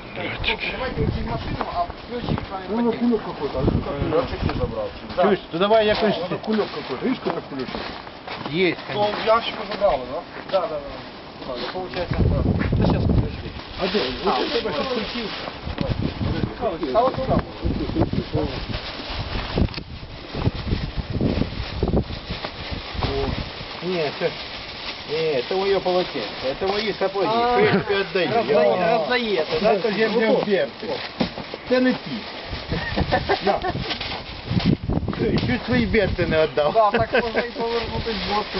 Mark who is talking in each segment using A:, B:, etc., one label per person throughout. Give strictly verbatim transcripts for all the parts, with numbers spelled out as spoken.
A: Давайте уйти в машину, а ключик с вами
B: Ну, кулек какой-то, а что как
C: Лёшик не забрал.
D: Чуешь, ну давай якось...
B: это кулек какой-то, видишь, какой кулечек?
D: Есть,
C: Ну, он в ящику забрал, да?
A: Да, да, да. Да, получается, да. Да сейчас, подожди.
B: А где?
A: А, у тебя что включился? А вот туда.
D: Нет, это... Нет, это мое полотенце, это мои сапоги.
A: А,
D: Что я тебе отдаю?
A: Роздає,
D: Я-
A: роздаєте,
D: Да,
A: да?
D: то я взяв берти. Це не ті. Чуть свої берти не віддав.
A: Да, так можна і повернути з боку.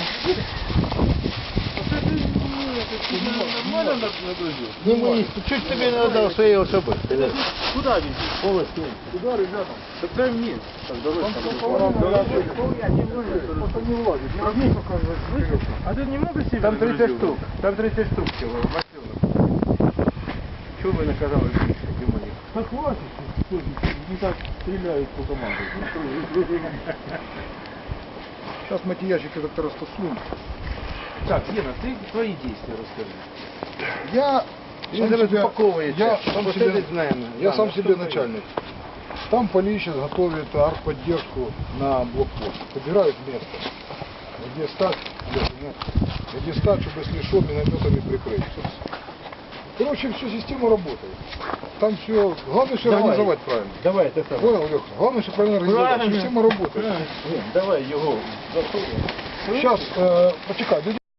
C: Нормально на друзі?
D: Не мої, чуть тобі не віддав свої особи.
C: Куда везти?
D: Полості.
C: Куда, ребята? Так дай мне. Так, давай.
B: Там
C: там,
B: всё
C: пора,
B: половина,
C: пора.
B: я просто не влазит. Ну, возьми пока за-
C: А ты немного себе
D: Там тридцать штук. Там тридцать штук всього. Чого ви наказали більше, Дімоні?
B: Да хватит, что ж, не так стреляют по команде. Сейчас мы эти ящики как-то растасуем.
D: Так, Гена, ты твои действия расскажи.
B: Я
D: Він
B: сам
D: зараз
B: себя,
D: упаковується.
B: я сам
D: Ось
B: себе,
D: це знаємо.
B: я
D: Да,
B: сам
D: ну,
B: себе
D: що
B: начальник. Там Полей сейчас готовит артподдержку на блокпост. Подбирают место. Где стать, где, нет, где стать, чтобы если что, минометами прикрыть. Короче, всю систему работает. Там все, главное все
D: Давай.
B: организовать правильно.
D: Давай, это самое.
B: Понял, Леха? Главное все правильно организовать.
D: Правильно.
B: Система работает.
D: Ген, давай його засунемо.
B: Сейчас, э, почекай,